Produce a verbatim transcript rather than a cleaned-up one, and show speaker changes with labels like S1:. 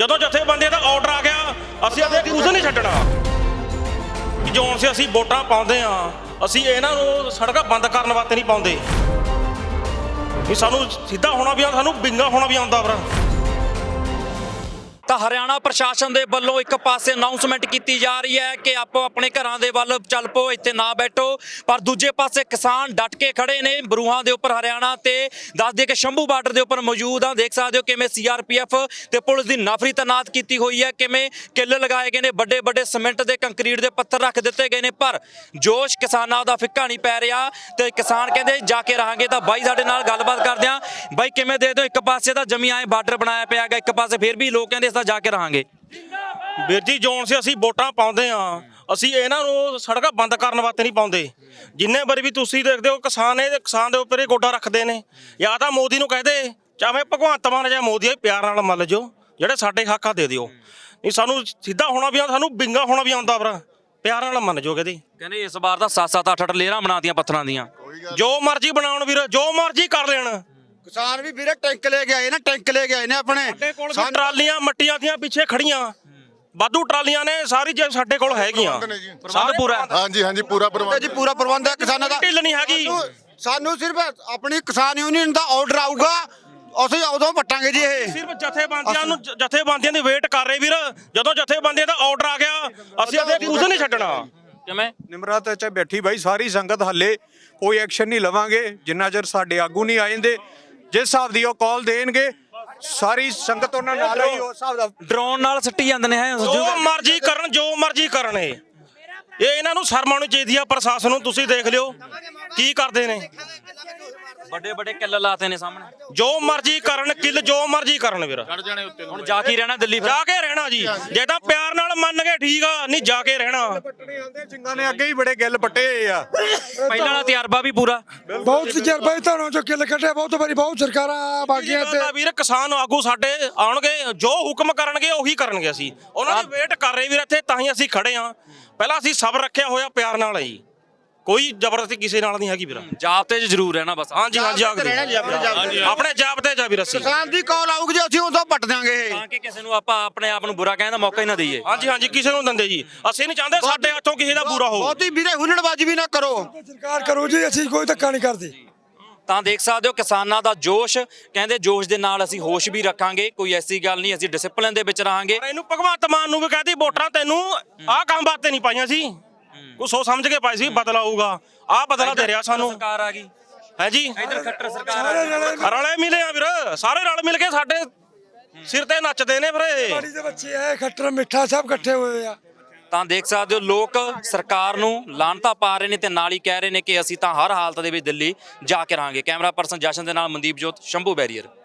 S1: ਜਦੋਂ ਜਥੇਬੰਦੀਆਂ ਦਾ ਆਰਡਰ ਆ ਗਿਆ ਅਸੀਂ ਅੱਗੇ ਕੁਝ ਨਹੀਂ ਛੱਡਣਾ। ਜਿਉਂ ਸੇ ਅਸੀਂ ਵੋਟਾਂ ਪਾਉਂਦੇ ਆ ਅਸੀਂ ਇਹਨਾਂ ਨੂੰ ਸੜਕਾਂ ਬੰਦ ਕਰਨ ਵਾਸਤੇ ਨਹੀਂ ਪਾਉਂਦੇ। ਇਹ ਸਾਨੂੰ ਸਿੱਧਾ ਹੋਣਾ ਵੀ ਆਉਂਦਾ, ਸਾਨੂੰ ਬਿੰਗਾ ਹੋਣਾ ਵੀ ਆਉਂਦਾ ਭਰਾ।
S2: ਤਾਂ ਹਰਿਆਣਾ ਪ੍ਰਸ਼ਾਸਨ ਦੇ ਵੱਲੋਂ ਇੱਕ ਪਾਸੇ ਅਨਾਉਂਸਮੈਂਟ ਕੀਤੀ ਜਾ ਰਹੀ ਹੈ ਕਿ ਆਪੋ ਆਪਣੇ ਘਰਾਂ ਦੇ ਵੱਲ ਚੱਲ ਪੋ, ਇੱਥੇ ਨਾ ਬੈਠੋ, ਪਰ ਦੂਜੇ ਪਾਸੇ ਕਿਸਾਨ ਡਟ ਕੇ ਖੜੇ ਨੇ ਬਰੂਹਾਂ ਦੇ ਉੱਪਰ। ਹਰਿਆਣਾ ਤੇ ਦੱਸ ਦਈਏ ਕਿ ਸ਼ੰਭੂ ਬਾਰਡਰ ਦੇ ਉੱਪਰ ਮੌਜੂਦ ਆ। ਦੇਖ ਸਕਦੇ ਹੋ ਕਿਵੇਂ ਸੀਆਰਪੀਐਫ ਤੇ ਪੁਲਿਸ ਦੀ ਨਫਰੀ ਤੈਨਾਤ ਕੀਤੀ ਹੋਈ ਹੈ, ਕਿਵੇਂ ਕਿੱਲ ਲਗਾਏ ਗਏ ਨੇ, ਵੱਡੇ ਵੱਡੇ ਸੀਮੈਂਟ ਦੇ ਕੰਕਰੀਟ ਦੇ ਪੱਥਰ ਰੱਖ ਦਿੱਤੇ ਗਏ ਨੇ, ਪਰ ਜੋਸ਼ ਕਿਸਾਨਾਂ ਦਾ ਫਿੱਕਾ ਨਹੀਂ ਪੈ ਰਿਹਾ ਤੇ ਕਿਸਾਨ ਕਹਿੰਦੇ ਜਾ ਕੇ ਰਹਾਂਗੇ। ਤਾਂ ਬਾਈ ਸਾਡੇ ਨਾਲ ਗੱਲਬਾਤ ਕਰਦੇ ਆ। ਬਾਈ ਕਿਵੇਂ ਦੇ ਦਿਓ, ਇੱਕ ਪਾਸੇ ਤਾਂ ਜਮੀ ਆਏ ਬਾਰਡਰ ਬਣਾਇਆ ਪਿਆ ਹੈਗਾ, ਇੱਕ ਪਾਸੇ ਫਿਰ ਵੀ ਲੋਕ ਕਹਿੰਦੇ ਜਾ ਕੇ ਰਹਾਂਗੇ।
S1: ਵੀਰ ਜੀ ਜੋਨ ਸੇ ਅਸੀਂ ਵੋਟਾਂ ਪਾਉਂਦੇ ਆ ਅਸੀਂ ਇਹਨਾਂ ਨੂੰ ਸੜਕਾਂ ਬੰਦ ਕਰਨ ਵਾਸਤੇ ਨਹੀਂ ਪਾਉਂਦੇ। ਜਿੰਨੇ ਵਾਰੀ ਵੀ ਤੁਸੀਂ ਦੇਖਦੇ ਹੋ ਕਿਸਾਨ ਇਹ ਕਿਸਾਨ ਦੇ ਉੱਪਰ ਇਹ ਗੋਡਾ ਰੱਖਦੇ ਨੇ। ਜਾਂ ਤਾਂ ਮੋਦੀ ਨੂੰ ਕਹਦੇ ਚਾਹੇ ਭਗਵੰਤ ਮਾਨ ਜਾਂ ਮੋਦੀ ਪਿਆਰ ਨਾਲ ਮੰਨ ਜੋ, ਜਿਹੜੇ ਸਾਡੇ ਹੱਕਾਂ ਦੇ ਦਿਓ। ਨਹੀਂ ਸਾਨੂੰ ਸਿੱਧਾ ਹੋਣਾ ਵੀ ਆਉਂਦਾ, ਸਾਨੂੰ ਬਿੰਗਾ ਹੋਣਾ ਵੀ ਆਉਂਦਾ ਭਰਾ, ਪਿਆਰ ਨਾਲ ਮੰਨ ਜੋ। ਕਹਿੰਦੇ
S2: ਕਹਿੰਦੇ ਇਸ ਵਾਰ ਤਾਂ ਸੱਤ ਸੱਤ ਅੱਠ ਅੱਠ ਲੇਅਰਾਂ ਬਣਾਤੀਆਂ ਪੱਥਰਾਂ ਦੀਆਂ।
S1: ਜੋ ਮਰਜ਼ੀ ਬਣਾਉਣ ਵੀਰ, ਜੋ ਮਰਜ਼ੀ ਕਰ ਲੈਣ।
S3: ਕਿਸਾਨ ਵੀ ਵੀਰੇ ਟੈਂਕ ਲੈ ਕੇ ਆਏ ਨੇ, ਟੈਂਕ ਲੈ ਕੇ ਆਏ ਨੇ ਆਪਣੇ।
S1: ਸਾਡੇ ਕੋਲ ਵੀ ਟਰਾਲੀਆਂ ਮੱਟੀਆਂ ਦੀਆਂ ਪਿੱਛੇ ਖੜੀਆਂ, ਵਾਧੂ ਟਰਾਲੀਆਂ ਨੇ, ਸਾਰੀ ਜੇ ਸਾਡੇ ਕੋਲ ਹੈਗੀਆਂ।
S2: ਪ੍ਰਬੰਧ ਪੂਰਾ
S4: ਹਾਂਜੀ ਹਾਂਜੀ ਪੂਰਾ ਪ੍ਰਬੰਧ
S3: ਜੀ ਪੂਰਾ ਪ੍ਰਬੰਧ ਹੈ ਕਿਸਾਨਾਂ ਦਾ।
S1: ਢਿੱਲ ਨਹੀਂ ਹੈਗੀ।
S3: ਸਾਨੂੰ- ਸਾਨੂੰ ਸਿਰਫ ਆਪਣੀ ਕਿਸਾਨ ਯੂਨੀਅਨ ਦਾ ਆਰਡਰ ਆਊਗਾ, ਅਸੀਂ ਉਦੋਂ ਪੱਟਾਂਗੇ ਜੀ ਇਹ।
S1: ਸਿਰਫ ਜਥੇਬੰਦੀਆਂ ਨੂੰ ਜਥੇਬੰਦੀਆਂ ਦੀ ਵੇਟ ਕਰ ਰਹੇ ਵੀਰ। ਜਦੋਂ ਜਥੇਬੰਦੀਆਂ ਦਾ ਆਰਡਰ ਆ ਗਿਆ ਅਸੀਂ ਅੱਗੇ ਕੁਝ ਨਹੀਂ ਛੱਡਣਾ।
S2: ਕਿਵੇਂ
S5: ਨਿਮਰਤ ਚ ਬੈਠੀ ਬਾਈ ਸਾਰੀ ਸੰਗਤ, ਹੱਲੇ ਕੋਈ ਐਕਸ਼ਨ ਨਹੀਂ ਲਵਾਂਗੇ ਜਿੰਨਾ ਚਿਰ ਸਾਡੇ ਆਗੂ ਨਹੀਂ ਆ ਜਾਂਦੇ। ਜਿਸ ਹਿਸਾਬ ਦੀ ਉਹ ਕਾਲ ਦੇਣਗੇ ਸਾਰੀ ਸੰਗਤ ਉਹਨਾਂ ਨਾਲ ਹੀ ਉਸ ਹਿਸਾਬ ਦਾ
S2: ਡਰੋਨ ਨਾਲ ਸੱਟੀ ਜਾਂਦੇ ਨੇ ਹੈ।
S1: ਜੋ ਮਰਜ਼ੀ ਕਰਨ, ਜੋ ਮਰਜ਼ੀ ਕਰਨ। ਇਹ ਇਹ ਇਹਨਾਂ ਨੂੰ ਸ਼ਰਮ ਆਉਣੀ ਚਾਹੀਦੀ ਆ ਪ੍ਰਸ਼ਾਸਨ ਨੂੰ। ਤੁਸੀਂ ਦੇਖ ਲਿਓ ਕੀ ਕਰਦੇ ਨੇ,
S2: ਵੱਡੇ ਵੱਡੇ ਕਿੱਲ ਲਾਤੇ ਨੇ ਸਾਹਮਣੇ।
S1: ਜੋ ਮਰਜ਼ੀ ਕਰਨ, ਕਿੱਲ ਜੋ ਮਰਜ਼ੀ ਕਰਨ ਵੀਰ।
S2: ਹੁਣ ਜਾ ਕੇ ਰਹਿਣਾ ਦਿੱਲੀ ਫਿਰ।
S1: ਜਾ ਕੇ ਰਹਿਣਾ ਜੀ, ਜੇ ਤਾਂ ਪਿਆਰ ਨਾਲ ਮੰਨ ਗਏ ਠੀਕ ਆ, ਨਹੀਂ ਜਾ ਕੇ ਰਹਿਣਾ।
S5: ਸਿੰਘਾਂ ਨੇ ਅੱਗੇ ਹੀ ਬੜੇ ਗਿੱਲ ਪੱਟੇ ਹੋਏ ਆ।
S2: ਪਹਿਲਾਂ ਵਾਲਾ ਤਜਰਬਾ ਵੀ ਪੂਰਾ।
S6: ਬਹੁਤ ਤਜਰਬਾ ਤੁਹਾਨੂੰ ਜੋ ਕਿੱਲ ਕੱਢਿਆ ਬਹੁਤ ਵਾਰੀ, ਬਹੁਤ ਸਰਕਾਰਾਂ ਬਾਗੀਆਂ ਤੇ
S1: ਵੀਰ ਕਿਸਾਨ ਆਗੂ ਸਾਡੇ ਆਉਣਗੇ, ਜੋ ਹੁਕਮ ਕਰਨਗੇ ਉਹੀ ਕਰਨਗੇ। ਅਸੀਂ ਉਹਨਾਂ ਦੀ ਵੇਟ ਕਰ ਰਹੇ ਵੀਰ ਇੱਥੇ, ਤਾਂ ਹੀ ਅਸੀਂ ਖੜੇ ਆ। ਪਹਿਲਾਂ ਅਸੀਂ ਸਬਰ ਰੱਖਿਆ ਹੋਇਆ, ਪਿਆਰ ਨਾਲ ਹੀ, ਕੋਈ ਜ਼ਬਰਦਸਤੀ ਕਿਸੇ ਨਾਲ ਨਹੀਂ ਹੈਗੀ ਵੀਰ।
S2: ਜਾਬਤੇ 'ਚ ਜ਼ਰੂਰ ਰਹਿਣਾ ਬਸ।
S1: ਹਾਂਜੀ ਹਾਂਜੀ ਆਪਣੇ ਜਾਬਤੇ ਜਾ ਵੀਰ। ਅਸੀਂ
S3: ਕਿਸਾਨ ਦੀ ਕਾਲ ਆਊਗੀ ਜੀ, ਅਸੀਂ ਉਦੋਂ ਪੱਟ ਦਿਆਂਗੇ ਇਹ।
S2: ਤਾਂ ਕਿ ਕਿਸੇ ਨੂੰ ਆਪਾਂ ਆਪਣੇ ਆਪ ਨੂੰ ਬੁਰਾ ਕਹਿਣ ਦਾ ਮੌਕਾ ਹੀ ਨਾ ਦਈਏ।
S1: ਹਾਂਜੀ ਹਾਂਜੀ ਕਿਸੇ ਨੂੰ ਦਿੰਦੇ ਜੀ, ਅਸੀਂ ਨਹੀਂ ਚਾਹੁੰਦੇ ਸਾਡੇ ਹੱਥੋਂ ਕਿਸੇ ਦਾ ਬੁਰਾ ਹੋ।
S3: ਬਹੁਤੀ ਵੀਰੇ ਹੁਲੜਬਾਜ਼ੀ ਵੀ ਨਾ ਕਰੋ।
S6: ਸਰਕਾਰ ਕਰੂ ਜੀ, ਅਸੀਂ ਕੋਈ ਧੱਕਾ ਨਹੀਂ ਕਰਦੇ।
S2: ਤਾਂ ਦੇਖ ਸਕਦੇ ਹੋ ਕਿਸਾਨਾਂ ਦਾ ਜੋਸ਼, ਕਹਿੰਦੇ ਜੋਸ਼ ਦੇ ਨਾਲ ਅਸੀਂ ਹੋਸ਼ ਵੀ ਰੱਖਾਂਗੇ, ਕੋਈ ਐਸੀ ਗੱਲ ਨਹੀਂ, ਅਸੀਂ ਡਿਸਪਲਿਨ ਦੇ ਵਿੱਚ ਰਹਾਂਗੇ।
S1: ਪਰ ਇਹਨੂੰ ਭਗਵੰਤ ਮਾਨ ਨੂੰ ਵੀ ਕਹਦੀ ਵੋਟਾਂ ਤੈਨੂੰ ਆਹ ਕੰਮ ਬਾਤੇ ਨਹੀਂ ਪਾਈਆਂ ਸੀ, ਕੁਛ ਸੋਚ ਸਮਝ ਕੇ ਪਾਈ ਸੀ, ਬਦਲਾ ਆਊਗਾ। ਆਹ ਬਦਲਾ ਦੇ ਰਿਹਾ ਸਾਨੂੰ।
S2: ਸਰਕਾਰ ਆ ਗਈ
S1: ਹੈ ਜੀ,
S2: ਇਧਰ ਖੱਟਰ ਸਰਕਾਰ ਆ ਗਈ।
S1: ਰਲੇ ਮਿਲੇ ਆ ਵੀਰ, ਸਾਰੇ ਰਲ ਮਿਲ ਕੇ ਸਾਡੇ ਸਿਰ ਤੇ ਨੱਚਦੇ ਨੇ ਵੀਰੇ।
S6: ਪਾਣੀ ਦੇ ਬੱਚੇ ਐ, ਖੱਟਰ ਮਿੱਠਾ ਸਭ ਇਕੱਠੇ ਹੋਏ ਆ।
S2: ਤਾਂ ਦੇਖ ਸਕਦੇ ਹੋ ਲੋਕ ਸਰਕਾਰ ਨੂੰ ਲਾਹਨਤਾਂ ਪਾ ਰਹੇ ਨੇ ਤੇ ਨਾਲ ਹੀ ਕਹਿ ਰਹੇ ਨੇ ਕਿ ਅਸੀਂ ਤਾਂ ਹਰ ਹਾਲਤ ਦੇ ਵਿੱਚ ਦਿੱਲੀ ਜਾ ਕੇ ਰਹਾਂਗੇ। ਕੈਮਰਾ ਪਰਸਨ ਜਸ਼ਨ ਦੇ ਨਾਲ ਮਨਦੀਪ ਜੋਤ, ਸ਼ੰਭੂ ਬੈਰੀਅਰ।